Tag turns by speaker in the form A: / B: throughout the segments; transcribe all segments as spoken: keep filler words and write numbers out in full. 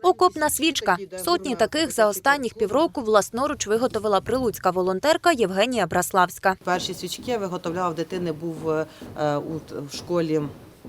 A: Окопна свічка. Сотні таких за останніх півроку власноруч виготовила прилуцька волонтерка Євгенія Браславська.
B: Перші свічки я виготовляла в дитини, був е, у школі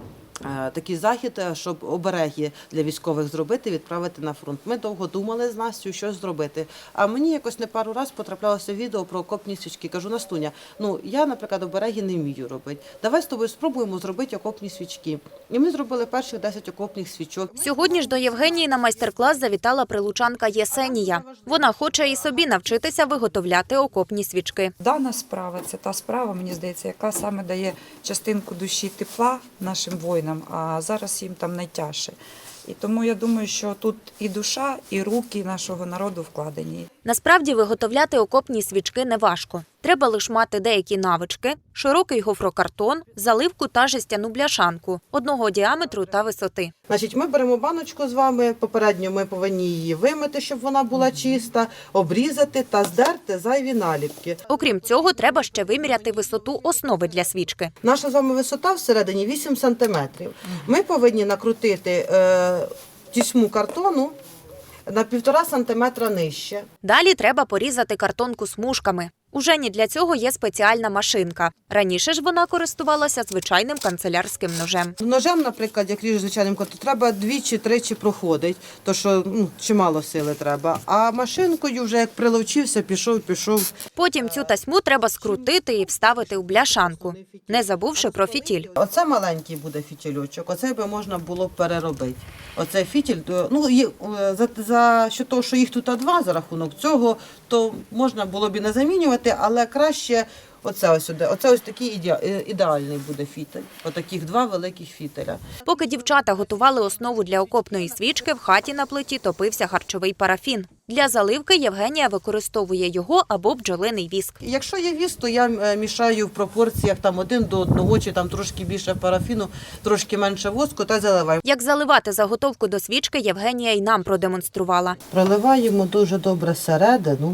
B: е, такий захід, щоб обереги для військових зробити, відправити на фронт. Ми довго думали з Настю, що зробити. А мені якось не пару разів потраплялося відео про окопні свічки. Кажу: Настуня, ну я, наприклад, обереги не вмію робити. Давай з тобою спробуємо зробити окопні свічки. І ми зробили перших десять окопних свічок.
A: Сьогодні ж до Євгенії на майстер-клас завітала прилучанка Єсенія. Вона хоче і собі навчитися виготовляти окопні свічки.
C: Дана справа – це та справа, мені здається, яка саме дає частинку душі тепла нашим воїнам, а зараз їм там найтяжче. І тому я думаю, що тут і душа, і руки нашого народу вкладені.
A: Насправді виготовляти окопні свічки не важко. Треба лише мати деякі навички, широкий гофрокартон, заливку та жестяну бляшанку одного діаметру та висоти.
B: Значить, ми беремо баночку з вами, попередньо ми повинні її вимити, щоб вона була чиста, обрізати та здерти зайві наліпки.
A: Окрім цього, треба ще виміряти висоту основи для свічки.
B: Наша з вами висота всередині вісім сантиметрів. Ми повинні накрутити е, тісьму картону на півтора сантиметра нижче.
A: Далі треба порізати картонку смужками. У Жені для цього є спеціальна машинка. Раніше ж вона користувалася звичайним канцелярським ножем.
B: Ножем, наприклад, як ріжу звичайним котом, треба двічі-тричі проходить, то що ну, чимало сили треба. А машинкою вже як приловчився, пішов, пішов.
A: Потім цю тасьму треба скрутити і вставити у бляшанку, не забувши про фітіль.
B: Оце маленький буде фітільочок, оцей би можна було переробити. Оцей фітіль, ну, є, за, за що того, що їх тут два за рахунок цього, то можна було б і не замінювати, але краще оце ось сюди. Оце ось такий іде, ідеальний буде фітель. Отаких два великих фітеля.
A: Поки дівчата готували основу для окопної свічки, в хаті на плиті топився харчовий парафін. Для заливки Євгенія використовує його або бджолиний віск.
B: Якщо є віск, то я мішаю в пропорціях там один до одного, чи там трошки більше парафіну, трошки менше воску та заливаю.
A: Як заливати заготовку до свічки, Євгенія й нам продемонструвала.
B: Проливаємо дуже добре середину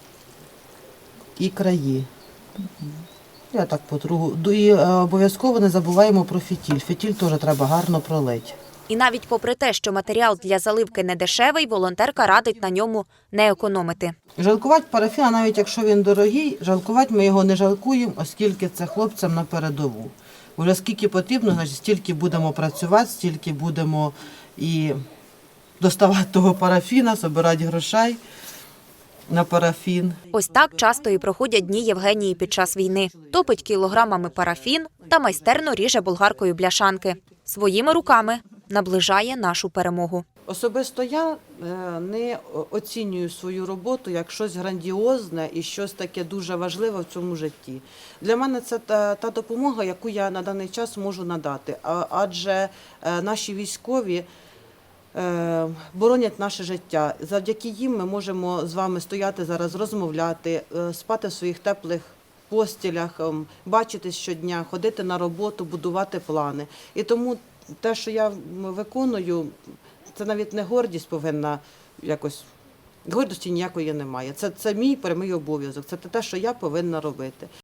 B: і краї. Я так потру. І обов'язково не забуваємо про фітіль. Фітіль теж треба гарно пролити.
A: І навіть попри те, що матеріал для заливки не дешевий, волонтерка радить на ньому не економити.
B: Жалкувати парафіна, навіть якщо він дорогий, жалкувати ми його не жалкуємо, оскільки це хлопцям на передову. Вже скільки потрібно, значить, стільки будемо працювати, стільки будемо і доставати того парафіна, збирати грошей на парафін.
A: Ось так часто і проходять дні Євгенії під час війни. Топить кілограмами парафін та майстерно ріже болгаркою бляшанки. Своїми руками наближає нашу перемогу.
B: Особисто я не оцінюю свою роботу як щось грандіозне і щось таке дуже важливе в цьому житті. Для мене це та, та допомога, яку я на даний час можу надати. Адже наші військові боронять наше життя. Завдяки їм ми можемо з вами стояти зараз, розмовляти, спати в своїх теплих постілях, бачитись щодня, ходити на роботу, будувати плани. І тому те, що я виконую, це навіть не гордість повинна якось, гордості ніякої немає. Це, це мій прямий обов'язок, це те, що я повинна робити.